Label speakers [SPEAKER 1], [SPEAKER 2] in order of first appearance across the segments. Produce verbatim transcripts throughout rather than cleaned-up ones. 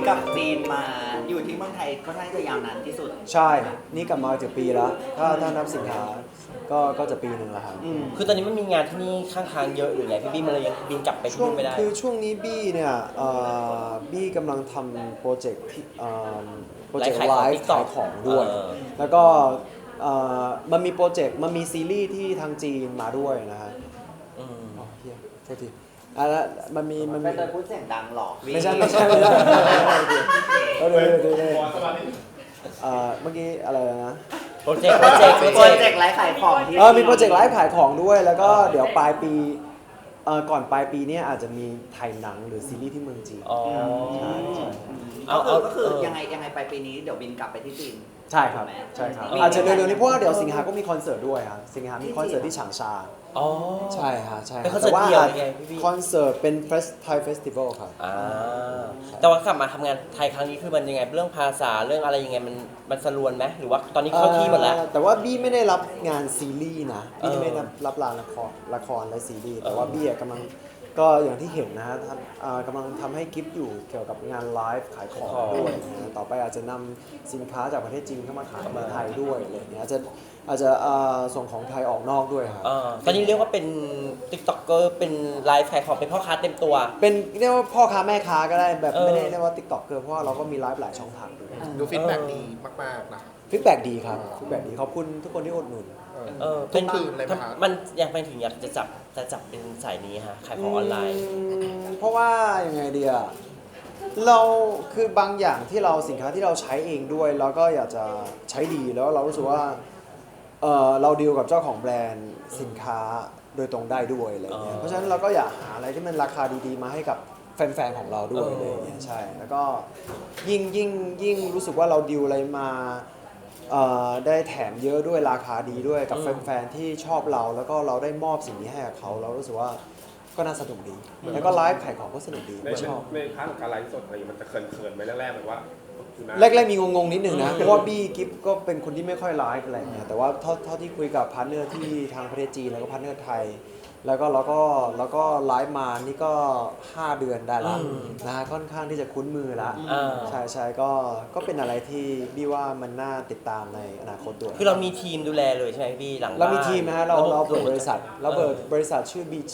[SPEAKER 1] กับจีนมาอยู่ที่เมืองไทยค่อนข้างจะยาวนานที่สุด
[SPEAKER 2] ใช่นี่กลับมาจะปีแล้วถ้าถ้านับสิงหาก็ก็จะปีหนึ่งแล้วครับ
[SPEAKER 3] คือตอนนี้มันมีงานที่นี่ข้างทางเยอะหรือไงพี่บี้มันเลยยังบินกลับไปที่
[SPEAKER 2] ช่วง
[SPEAKER 3] นู่นไม่ได้
[SPEAKER 2] คือช่วงนี้บี้เนี่ยเอ่อบี้กำลังทำโปรเจกต์ที่เอ่อโปรเจกต์
[SPEAKER 3] ไล
[SPEAKER 2] ไล
[SPEAKER 3] ฟ์
[SPEAKER 2] ฟ์
[SPEAKER 3] ขา
[SPEAKER 2] ขาย ย
[SPEAKER 3] ข
[SPEAKER 2] ข
[SPEAKER 3] อ
[SPEAKER 2] อง งด้วย
[SPEAKER 3] เออ
[SPEAKER 2] แล้วก็เอ่อมันมีโปรเจกต์มันมีซีรีส์ที่ทางจีนมาด้วยนะฮะ
[SPEAKER 3] อืม
[SPEAKER 2] อ๋อเฮียโทษทีอ่ะแล้วมันมีมัน
[SPEAKER 1] ไป
[SPEAKER 2] มี
[SPEAKER 1] เลยพูดเสียงดังหรอก
[SPEAKER 2] ไม่ใช่ไม่ใช่ไม่ใช่เออเดี๋ยวเดี๋ยวเดี๋ยวเดี๋ยวเอ่อเมื่อกี้อะไรนะ
[SPEAKER 3] โปรเจกต์โปรเจกต์
[SPEAKER 1] โป
[SPEAKER 3] โป
[SPEAKER 1] ร
[SPEAKER 3] ร
[SPEAKER 1] เจ
[SPEAKER 3] เจ
[SPEAKER 1] ก
[SPEAKER 3] กต์
[SPEAKER 1] ต์ไลฟ์ขายของที่
[SPEAKER 2] เออมีโปรเจกต์ไลฟ์ขายของด้วย แล้วก็เดี๋ยวปลายปีเอ่อก่อนปลายปีเนี้อาจจะมีถ่ายหนังหรือซีรีส์ที่เมืองจีน
[SPEAKER 3] อ๋อ
[SPEAKER 2] ใช่ใช่
[SPEAKER 1] ก็คือก็คือ
[SPEAKER 3] เออ
[SPEAKER 1] ยังไงยังไงไปปีนี้เดี๋ยวบินกลับไปที่จีน
[SPEAKER 2] ใช่ครับ
[SPEAKER 1] ถูกไหม
[SPEAKER 2] ใช่ครับ
[SPEAKER 1] มี
[SPEAKER 2] อาจจะเร็วๆนี้เพราะว่าเดี๋ยวสิงหาก็มีคอนเสิร์ตด้วยครับสิงหามีคอนเสิร์ตที่ฉางชา
[SPEAKER 3] อ๋อ
[SPEAKER 2] ใช่ฮะใช่
[SPEAKER 3] เป็นคอนเสิร์ตเดี่ยวไงพี่บี้
[SPEAKER 2] คอนเสิร์ตเป็นเฟสไทยเฟสติวัลครับ
[SPEAKER 3] อ่าแต่ว่ากลับมาทำงานไทยครั้งนี้คือมันยังไงเรื่องภาษาเรื่องอะไรยังไงมันมันสะลวนไหมหรือว่าตอนนี้เข้าที่หมดแล้ว
[SPEAKER 2] เอ่อแต่ว่าบี้ไม่ได้รับงานซีรีส์นะบี้
[SPEAKER 3] เออ
[SPEAKER 2] ไม่ได้รับรับละครละครและซีรีส์แต่
[SPEAKER 3] เออ
[SPEAKER 2] ว่าบี้อะกำลังก็อย่างที่เห็นนะฮะทำอ่ากำลังทำให้กิฟต์อยู่เกี่ยวกับงานไลฟ์ขายของด้วยนะต่อไปอาจจะนำสินค้าจากประเทศจีนเข้ามาขายในไทยด้วยอะไรอย่างเงี้ยอาจจะอาจจะอ่าส่งของไทยออกนอกด้วยครับ
[SPEAKER 3] อ่าตอนนี้เรียกว่าเป็นติ๊กต็อกเกอร์เป็นไลฟ์ขายของเป็นพ่อค้าเต็มตัว
[SPEAKER 2] เป็นเรียกว่าพ่อค้าแม่ค้าก็ได้แบบ
[SPEAKER 3] เออ
[SPEAKER 2] ไม่ได้เรียกว่าติ๊กต็อกเกอร์เพราะว่าเราก็มีไลฟ์หลายช่องทางด้วย
[SPEAKER 4] ดูฟีดแบ็กดีมากๆนะ
[SPEAKER 2] ฟีดแบ็ดีครับฟีดแบ็ดีขอบคุณทุกคนที่อุดหนุน
[SPEAKER 3] เออ
[SPEAKER 4] ทุกคืนเลยไหมครับ
[SPEAKER 3] มันอยากไปถึงอยากจะจับจะจับเป็นสายนี้ฮะขายของออนไลน์
[SPEAKER 2] มเพราะว่ายังไงเดียเราคือบางอย่างที่เราสินค้าที่เราใช้เองด้วยเราก็อยากจะใช้ดีแล้วเรารู้สึกว่าเออเราดีลกับเจ้าของแบรนด์สินค้าโดยตรงได้ด้วยอะไรเงี้ย
[SPEAKER 3] อ๋อ
[SPEAKER 2] เพราะฉะนั้นเราก็อยากหาอะไรที่มันราคาดีๆ มาให้กับแฟนๆของเราด้วย
[SPEAKER 3] เอออ
[SPEAKER 2] อะไรเงี้ยใช่แล้วก็ยิ่งยิ่งยิ่งรู้สึกว่าเราดีลอะไรมาเอ่อได้แถมเยอะด้วยราคาดีด้วยกับแฟนๆที่ชอบเราแล้วก็เราได้มอบสิ่งนี้ให้กับเขาเรารู้สึกว่าก็น่าสนุกดี แล้วก็ไลฟ์ขายของก็สนุกดี
[SPEAKER 5] ใน
[SPEAKER 2] ก็ชอบ
[SPEAKER 5] ในพาร์ทของการไลฟ์สดอะไรอย่างเงี้ยมันจะเขินๆไหมแรกๆแบบว่าคุณน้า
[SPEAKER 2] แรกๆมีงงๆนิดหนึ่งนะ เพราะว่าบี้กิฟก็เป็นคนที่ไม่ค่อยไลฟ์อะไรอย่างเงี้ยแต่ว่าเท่าเท่าที่คุยกับพาร์ทเนอร์ที่ทางประเทศจีนแล้วก็พาร์ทเนอร์ไทย แล้วก็เราก็แล้วก็ไลฟ์มานี่ก็ห้าเดือนได้แล้ว
[SPEAKER 3] อืม
[SPEAKER 2] นะฮะค่อนข้างที่จะคุ้นมือละ
[SPEAKER 3] อ่า
[SPEAKER 2] ใช่ใช่ก็ก็เป็นอะไรที่บี้ว่ามันน่าติดตามในอนาคตด้วย
[SPEAKER 3] คือเรามีทีมดูแลเลยใช่ไหมพี่หลังบ้าน
[SPEAKER 2] เรามีทีมนะฮะเราเราเปิดบริษัทเราเปิด
[SPEAKER 3] ออบ
[SPEAKER 2] ริษัทชื่อ บี จี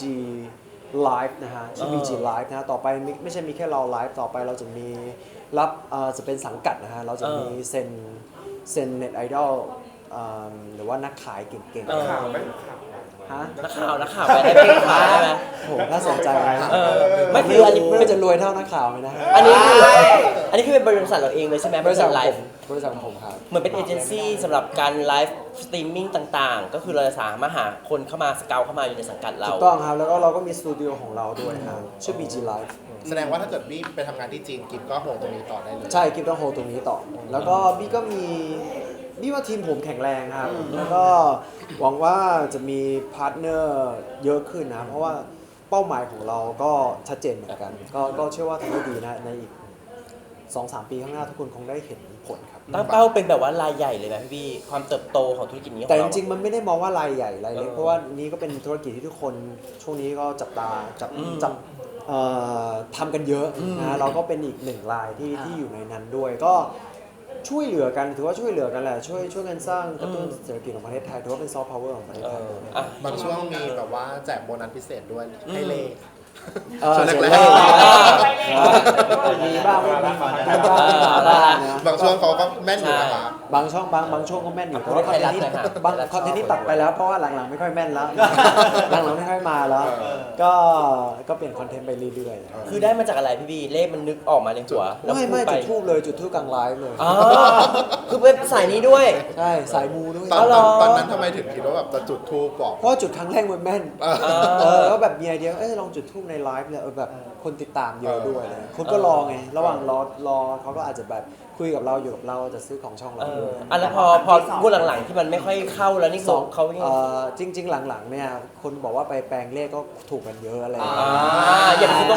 [SPEAKER 2] Live นะฮะชื่อ
[SPEAKER 3] เออ
[SPEAKER 2] บี จี Live นะฮะต่อไปไม่ไม่ใช่มีแค่เราไลฟ์ต่อไปเราจะมีรับเอ่อจะเป็นสังกัดนะฮะเราจะมีเซ็นเซ็นเน็ตไอดอลหรือว่านักขายเก่ง
[SPEAKER 3] เออ
[SPEAKER 5] ข่าวไหมข่าว
[SPEAKER 2] ๆฮะ
[SPEAKER 3] นักข่าวนักข่าวไปได้เป็นค้าได้ไหม
[SPEAKER 2] โอ้โหน่าสนใจนะ
[SPEAKER 3] เออไม่
[SPEAKER 2] ไม่
[SPEAKER 3] คืออันนี้
[SPEAKER 2] ไม่ว่าจะรวยเท่านักข่าวไหมนะฮะ
[SPEAKER 3] อันนี้คืออันนี้คือเป็นบริษัทเราเองเลยใช่ไหม
[SPEAKER 2] บริษัทของ
[SPEAKER 3] ไล
[SPEAKER 2] ผ
[SPEAKER 3] ฟ์
[SPEAKER 2] มบริษัทของผมครับ
[SPEAKER 3] เหมือนเป็นเอเจนซี่สำหรับการไลฟ์สตรีมมิ่งต่างๆ ก็คือเราจะสามารถหาคนเข้ามาสเกลเข้ามาอยู่ในสังกัดเรา
[SPEAKER 2] ถูกต้องครับแล้วก็เราก็มีสตูดิโอของเราด้วยครับชื่อ บี จี Live
[SPEAKER 4] แสดงว่าถ้าเกิดบี้ไปทำงานที่จีนกิฟก็โฮตรงนี้ต่อได้เลย
[SPEAKER 2] ใช่กิฟต้องโฮตรงนี้ต่อ แล้วก็บี้ก็มีบี้ว่าทีมผมแข็งแรงครับ แล้วก็หวังว่าจะมีพาร์ทเนอร์เยอะขึ้นนะ เพราะว่าเป้าหมายของเราก็ชัดเจนเหมือนกัน ก็ก็เชื่อว่าทำได้ดีนะ ในอีก สองสาม ปีข้างหน้าทุกคนคงได้เห็นผลครับ
[SPEAKER 3] ตั้งเป้าเป็นแบบว่ารายใหญ่เลยไหมพี่บี้ความเติบโตของธุรกิจนี้ของ
[SPEAKER 2] แต่จ
[SPEAKER 3] เรา
[SPEAKER 2] ริงๆ มันไม่ได้มองว่ารายใหญ่รายเล็ก
[SPEAKER 3] เออ
[SPEAKER 2] เพราะว่านี้ก็เป็นธุรกิจที่ทุกคนช่วงนี้ก็จับตาจับ
[SPEAKER 3] อืม
[SPEAKER 2] จับเอ่อทำกันเยอะ
[SPEAKER 3] อืม
[SPEAKER 2] นะเราก็เป็นอีกหนึ่งรายที่ที่อยู่ในนั้นด้วย ก็ช่วยเหลือกันถือว่าช่วยเหลือกันแหละช่วยช่วยกันสร้างกระตุ้นเศรษฐกิจของประเทศไทยถือว่าเป็นซอฟต์พาวเวอร์ของประเทศ
[SPEAKER 3] เอ
[SPEAKER 2] ไทย
[SPEAKER 3] ออ่ะ
[SPEAKER 4] บางช่วงมีแบบว่าแจกโบนัสพิเศษด้วยให้เลข
[SPEAKER 2] เออ
[SPEAKER 4] ช่วง
[SPEAKER 2] เสร็จ
[SPEAKER 4] แร
[SPEAKER 2] แล้
[SPEAKER 4] ก
[SPEAKER 2] วมีบ้างไม่มีบ้างมีบ้างมีบ้างนะ
[SPEAKER 4] บางช่วงเขาก็แม่นอยู่นะครับ
[SPEAKER 2] บางช่องบางบางช่วงก็แม่นอยู่แต่ว่าค
[SPEAKER 3] ไท
[SPEAKER 2] อน
[SPEAKER 3] ย
[SPEAKER 2] เทน
[SPEAKER 3] รัฐ
[SPEAKER 2] ต์นี้
[SPEAKER 3] หน่อยค่ะ
[SPEAKER 2] บาง
[SPEAKER 3] ไทยรัฐ
[SPEAKER 2] คอนเทนต์นี้
[SPEAKER 3] ชอบ
[SPEAKER 2] ตัดไปแล้วเพราะว่าหลังๆไม่ค่อยแม่นแล้ว หลังๆไม่ค่อยมาแล้ว ก็ก็เปลี่ยนคอนเทนต์ไปเรื่อยๆ
[SPEAKER 3] คือได้มาจากอะไรพี่บี้เลขมันนึกออกมาในหัวแล้ว
[SPEAKER 2] ไม่
[SPEAKER 3] พู
[SPEAKER 2] ไม่
[SPEAKER 3] ป
[SPEAKER 2] จุดทูบเลยจุดทูบกลางไลฟ์เลย
[SPEAKER 3] อ๋อคือเป็นสายนี้ด้วย
[SPEAKER 2] ใช่สายมูด้วย
[SPEAKER 4] ตอน
[SPEAKER 3] อ๋อเหร
[SPEAKER 4] ต
[SPEAKER 3] อ
[SPEAKER 4] อนตอนนั้นทำไมถึงคิดว่าแบบจะจุดทูปบอก
[SPEAKER 2] เพราะว่าจุดครั้งแรกมันแม่น
[SPEAKER 4] เออ
[SPEAKER 2] เออก็แบบมีไอเดียเอ้ยลองจุดทูบในไลฟ์เลยเออแบบคนติดตามเยอะด้วยเลยคนก็รอไงระหว่างรอรอเขาก็อาจจะแบบคุยกับเราอยู่กับเราจะซื้อของช่อง
[SPEAKER 3] เอ
[SPEAKER 2] เรา
[SPEAKER 3] อ
[SPEAKER 2] ด้วย
[SPEAKER 3] อันแล้วพอพอพูดหลังๆที่มันไม่ค่อยเข้าแล้วนี่
[SPEAKER 2] สอง
[SPEAKER 3] เขายัง
[SPEAKER 2] เอ่อจริง ๆ หลังๆเนี่ยคนบอกว่าไปแปลงเลขก็ถูกกันเยอะอะไรอย่าง
[SPEAKER 3] อ่า
[SPEAKER 2] เงี้ย
[SPEAKER 3] อย่าไปซื้อต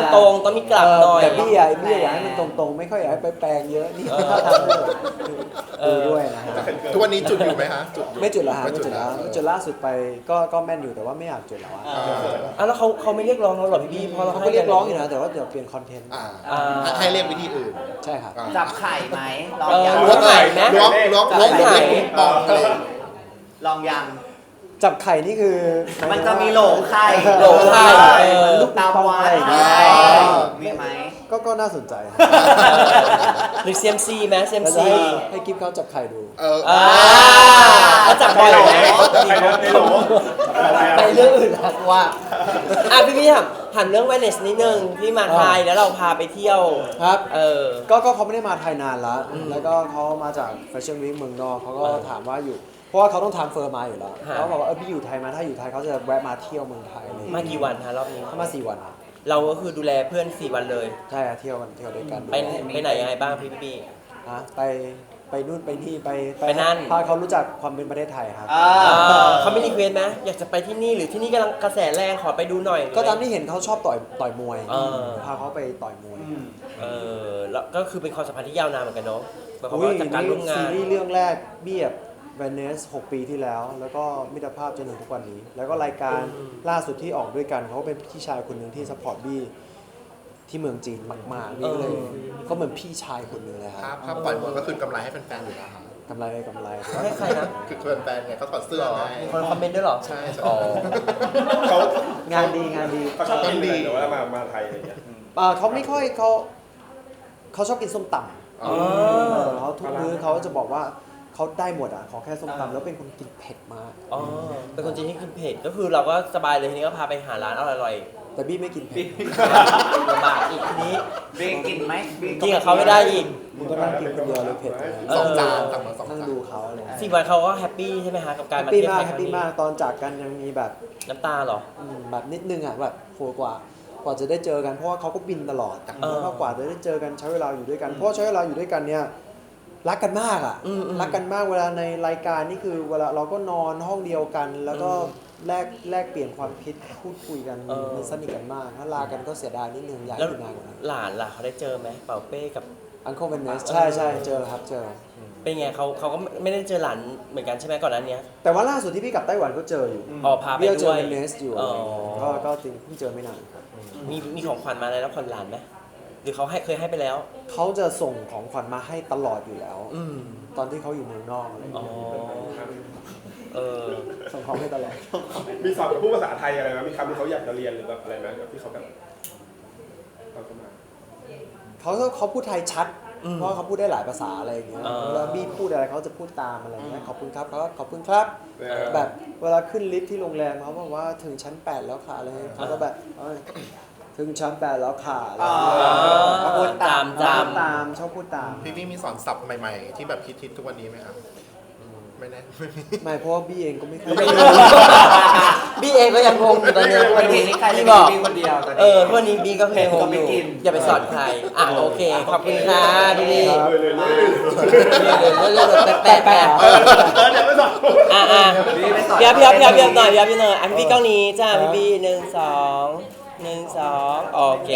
[SPEAKER 3] รงๆต้องมีกลับหน่อย
[SPEAKER 2] แต่พี่อยากพี่อยากให้มันตรงๆ ไม่ค่อยอยากให้ไปแปลงเยอะนี่ถ้าทำดูด้วยนะฮะ
[SPEAKER 4] ทุกวันนี้จุดอยู่ไหมฮะจุดอยู่
[SPEAKER 2] ไม่จุดละฮะ
[SPEAKER 4] ไม่
[SPEAKER 2] ไม่
[SPEAKER 4] จุ
[SPEAKER 2] จุ
[SPEAKER 4] ด
[SPEAKER 2] ด
[SPEAKER 4] แล้
[SPEAKER 2] ละ
[SPEAKER 4] ว
[SPEAKER 2] จุดล่าสุดไปก็ก็แม่นอยู่แต่ว่าไม่อยากจุดแล้วอะ
[SPEAKER 3] อ่ะแล้วเขาเขาไม่เรียกร้องเราหรอพี่บี้เพราะเรา
[SPEAKER 2] เขา
[SPEAKER 3] ให้
[SPEAKER 2] ก็เรียกร้องอยู่นะแต่ว่าเดี๋ยวเปลี่ยนคอนเทนต์
[SPEAKER 4] อ่า
[SPEAKER 3] อ่า
[SPEAKER 4] ให้เรียกวิธีอื่น
[SPEAKER 2] ใช่ครับ
[SPEAKER 4] อ่า
[SPEAKER 1] จับไข่ไหมลอง
[SPEAKER 3] เออ
[SPEAKER 1] ยัง
[SPEAKER 3] ล้วงไข่ไหม
[SPEAKER 4] ล้วงล้วงล้วง
[SPEAKER 3] จับไข่
[SPEAKER 4] เล็กๆปองอะไร
[SPEAKER 1] ลองยัง
[SPEAKER 2] จับไข่นี่คือ
[SPEAKER 1] มันจะมีโหลไข่
[SPEAKER 3] โหลไข่เออ
[SPEAKER 1] ลูกตามวัด
[SPEAKER 2] อ่า
[SPEAKER 1] มีไหม
[SPEAKER 2] ก็ก็น่าสนใจนะ
[SPEAKER 3] หรือ ซี เอ็ม ซี ไหม ซี เอ็ม
[SPEAKER 2] แล้วจะ
[SPEAKER 3] ซี
[SPEAKER 2] ให้ให้กิฟเขาจับไข่ดู
[SPEAKER 4] เออ
[SPEAKER 3] อ่าเขาจับบ่อยไหม
[SPEAKER 5] ใครนะไม่รู้อะไรอะ
[SPEAKER 3] ไปเรื่องอื่นละว่าอ่ะพี่พี่ถามถามเรื่อง Wellness นิดนึงพี่มาไทยแล้วเราพาไปเที่ยว
[SPEAKER 2] ครับ
[SPEAKER 3] เออ
[SPEAKER 2] ก็ก็เขาไม่ได้มาไทยนานแล้ว
[SPEAKER 3] อืม
[SPEAKER 2] แล้วก็เขามาจากแฟชั่นวีคเมืองนอกเขาก็
[SPEAKER 3] เออ
[SPEAKER 2] ถามว่าอยู่ เพราะว่าเขาต้องทำเฟอร์มาอยู่แล้ว
[SPEAKER 3] ฮะ
[SPEAKER 2] เขาบอกว่าเออพี่อยู่ไทยมาถ้าอยู่ไทยเขาจะแวะมาเที่ยวเมืองไทยเลย
[SPEAKER 3] มากี่วันฮะรอบนี้
[SPEAKER 2] เขามาสี่วันอะ
[SPEAKER 3] เราก็คือดูแลเพื่อนสี่วันเลย
[SPEAKER 2] ใช่อะเที่ยวกันเที่ยวด้วยกัน
[SPEAKER 3] ไปไปไหนยังไงบ้างพี่พี่
[SPEAKER 2] ฮะไปไปนู่นไปนี่ไป
[SPEAKER 3] ไปนั่น
[SPEAKER 2] พาเขารู้จักความเป็นประเทศไทยครับ
[SPEAKER 1] อ่า
[SPEAKER 3] อ่าเขาไม่รีเควสไหมอยากจะไปที่นี่หรือที่นี่กำลังกระแสแรงขอไปดูหน่อย
[SPEAKER 2] ก็ตามที่เห็นเขาชอบต่อยต่อยมวย
[SPEAKER 3] เออ
[SPEAKER 2] พาเขาไปต่อยมวย
[SPEAKER 1] อืม
[SPEAKER 3] เออแล้วก็คือเป็นความสัมพันธ์ที่ยาวนานเหมือนกันเนาะหมายความ
[SPEAKER 2] อุ้ย
[SPEAKER 3] ว่าจากการร่วมงา
[SPEAKER 2] ซี
[SPEAKER 3] น
[SPEAKER 2] รีส์เรื่องแรกเบียบเวเนสหกปีที่แล้ว แล้วก็มิตรภาพจนถึงทุกวันนี้ แล้วก็รายการ
[SPEAKER 3] อืม
[SPEAKER 2] ล่าสุดที่ออกด้วยกันเขาก็เป็นพี่ชายคนหนึ่งที่สปอร์ตบี้ที่เมืองจีนมากๆนี่ก็เลยก็เหมือนพี่ชายคนหนึ่งเลยค
[SPEAKER 4] ภา
[SPEAKER 2] รั
[SPEAKER 4] พ
[SPEAKER 2] บ
[SPEAKER 4] ภาพปล่อยหมดก็คือกำไรให้แฟนๆอยู่แล้วครับ
[SPEAKER 2] กำไรกำไร
[SPEAKER 3] ให้ใครนะ
[SPEAKER 4] คือแฟนๆไงเขาถอดเสื้อไง
[SPEAKER 3] มีคนคอมเมนต์ด้วยเหรอ
[SPEAKER 4] ใช่ใช่
[SPEAKER 3] อ๋อ
[SPEAKER 5] เขา
[SPEAKER 2] งานดีงานดี
[SPEAKER 5] เขาชอบกินเลยแต่ว่ามามาไทยอะไรอย่างเงี้ย
[SPEAKER 2] อ่าเขาไม่ค่อยเขาเขาชอบกินส้มตำ
[SPEAKER 4] อ๋อ
[SPEAKER 2] เออเขาทุกมื้อเขาจะบอกว่าเขาได้หมดอ่ะขอแค่ส้มตำแล้วเป็นคนกินเผ็ดมาก
[SPEAKER 3] อ๋อเป็นคนจีนที่กินเผ็ดก็คือเราก็สบายเลยทีนี้ก็พาไปหาร้านอร่อย
[SPEAKER 2] แต่บี้ไม่กินเผ็ด
[SPEAKER 3] ๆลำบากอีกทีนี้
[SPEAKER 1] บีกินไหมบี
[SPEAKER 3] กินกับเขาไม่ได้อีก
[SPEAKER 2] มึงก็นั่งกินคนเดียวเลยเผ็ดเลย
[SPEAKER 3] เออ
[SPEAKER 4] สองจานสั่งมาสอง
[SPEAKER 2] นั่ง
[SPEAKER 4] จาน
[SPEAKER 2] ดูเขาอะไร
[SPEAKER 3] สี่วันเขาก็แฮปปี้ใช่ไหมฮะกับการ
[SPEAKER 2] แฮป
[SPEAKER 3] มา
[SPEAKER 2] ปี้
[SPEAKER 3] เที่ยว
[SPEAKER 2] มา
[SPEAKER 3] ไท
[SPEAKER 2] ก
[SPEAKER 3] ย
[SPEAKER 2] แฮ
[SPEAKER 3] ค
[SPEAKER 2] ป
[SPEAKER 3] รั้ง
[SPEAKER 2] ปี้
[SPEAKER 3] นี้
[SPEAKER 2] มากตอนจากกันยังมีแบบ
[SPEAKER 3] น้ำตาเหรอ
[SPEAKER 2] อืมแบบนิดนึงอ่ะแบบโหกว่ากว่าจะได้เจอกันเพราะว่าเขาก็บินตลอด
[SPEAKER 3] เออ
[SPEAKER 2] แล้วก็กว่าจะได้เจอกันใช้เวลาอยู่ด้วยกันเพราะว่าใช้เวลาอยู่ด้วยกันเนี่ยรักกันมากอ่ะ
[SPEAKER 3] อืมอืม
[SPEAKER 2] รักกันมากเวลาในรายการนี่คือเวลาเราก็นอนห้องเดียวกัน แล้วก็แลกแลกเปลี่ยนความคิดพูดคุยกัน
[SPEAKER 3] เออ
[SPEAKER 2] มันสนิทกันมากถ้าลากันก็เสียดายนิดนึงอยาก
[SPEAKER 3] แล้ว
[SPEAKER 2] อยู่นานกว่านั้น
[SPEAKER 3] หลานล่ะเขาได้เจอไหมเป่าเป้กับ
[SPEAKER 2] อัง l e เ e นเนสใช่ใช่เจอครับเจอ
[SPEAKER 3] เป็นไงเขาเขาก็ไม่ได้เจอหลานเหมือนกันใช่ไหมก่อนหนั้นเนี้ย
[SPEAKER 2] แต่ว่าล่าสุดที่พี่กลับไต้หวันก็เจออยู่
[SPEAKER 3] อ๋อพาไป
[SPEAKER 2] พี่ก็เจ
[SPEAKER 3] ด้
[SPEAKER 2] อ
[SPEAKER 3] วย
[SPEAKER 2] เนสอยู่
[SPEAKER 3] อ๋อ
[SPEAKER 2] ก็ก็จริงเพิ่งเจอไม่นาน
[SPEAKER 3] มีมีของขวัญมาอะไรแล้วขวัญหลานไหมหรือเขาให้เคยให้ไปแล้ว
[SPEAKER 2] เขาจะส่งของขวัญมาให้ตลอดอยู่แล้ว
[SPEAKER 3] อืม
[SPEAKER 2] ตอนที่เขาอยู่เมืองนอกอะไรอย่าง
[SPEAKER 3] อ๋อ
[SPEAKER 2] เงี้ย
[SPEAKER 3] เออ
[SPEAKER 2] ส่งของให้ตลอด
[SPEAKER 5] มีสอบพูดภาษาไทยอะไรไหมมีคำที่เขาอยากจะเรียนหรือแบบอะไรไหมแบบที่เขาแบบตอนเข้ามา
[SPEAKER 2] เขาเขาพูดไทยชัด
[SPEAKER 3] อืม
[SPEAKER 2] เพราะเขาพูดได้หลายภาษาอะไรอย่างเงี้ย
[SPEAKER 3] อ่า
[SPEAKER 2] เวลาบี้พูดอะไรเขาจะพูดตามอะไรอย่างเงี้ยขอบคุณครับเขาก็ขอบคุณครับ
[SPEAKER 5] เออ
[SPEAKER 2] แบบเวลาขึ้นลิฟต์ที่โรงแรมเขาบอกว่าถึงชั้นแปดแล้วค่ะอะไรเงี้ยเขาก็แบบเอ้ยถึงชั้นแปดแล้วค่ะอะไร
[SPEAKER 1] อ๋อ
[SPEAKER 2] เงี้ย
[SPEAKER 1] เขาพูดตาม
[SPEAKER 3] ตาม
[SPEAKER 2] ชอบพูดตามชอบพูดตาม
[SPEAKER 4] พี่พี่มีสอนศัพท์ใหม่ๆ ที่แบบคิดๆทุกวันนี้ไหมครับไม่แน่ไม่มี
[SPEAKER 2] ไม่เพราะว่าบี้เองก็ไม่ค่อย
[SPEAKER 3] ไม่รู้ บี้เองก็ยังงงอยู่ตอนเนี้ย
[SPEAKER 1] วันนี้นี่ใครจะ
[SPEAKER 3] บี้
[SPEAKER 1] มี
[SPEAKER 3] บอก
[SPEAKER 1] บีคนเดียวตอน
[SPEAKER 3] เอ
[SPEAKER 1] นี้
[SPEAKER 3] อวันนี้บี้ก็เพลงงงอยู่
[SPEAKER 1] ก็ไม่กิน
[SPEAKER 3] อย่าไปสอนใครอ่ะโอเค ขอบคุณค่ะพี่บี้
[SPEAKER 5] เลยเลยเลย
[SPEAKER 3] เรื่อยๆแปะแปะ
[SPEAKER 5] เออเดี๋ยวไม่สอบ
[SPEAKER 3] อ่ะอ่ะ
[SPEAKER 1] บีไม่สอน
[SPEAKER 3] เพียบเพียบเพียบเพียบหน่อยเพียบเพียบหน่อยอ่ะพี่บี้กล้องนี้จ้าพี่บี้หนึ่งสองหนึ่งสองโอเค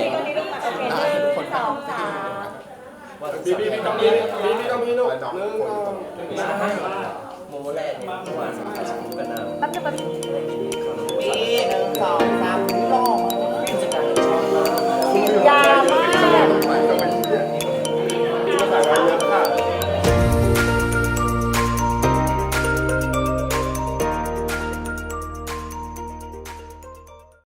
[SPEAKER 5] พี่พี่พี่ต้องมีพี่พี่ต้องมีลูก
[SPEAKER 4] น้อง
[SPEAKER 5] เรื่อง
[SPEAKER 4] คนตรง
[SPEAKER 3] โมโมแลนด์เนี่ยเมื่อวานสัมภาษณ์กันนะ
[SPEAKER 6] แป๊บนึงแป๊บนึง
[SPEAKER 1] บีหนึ่งสองสาม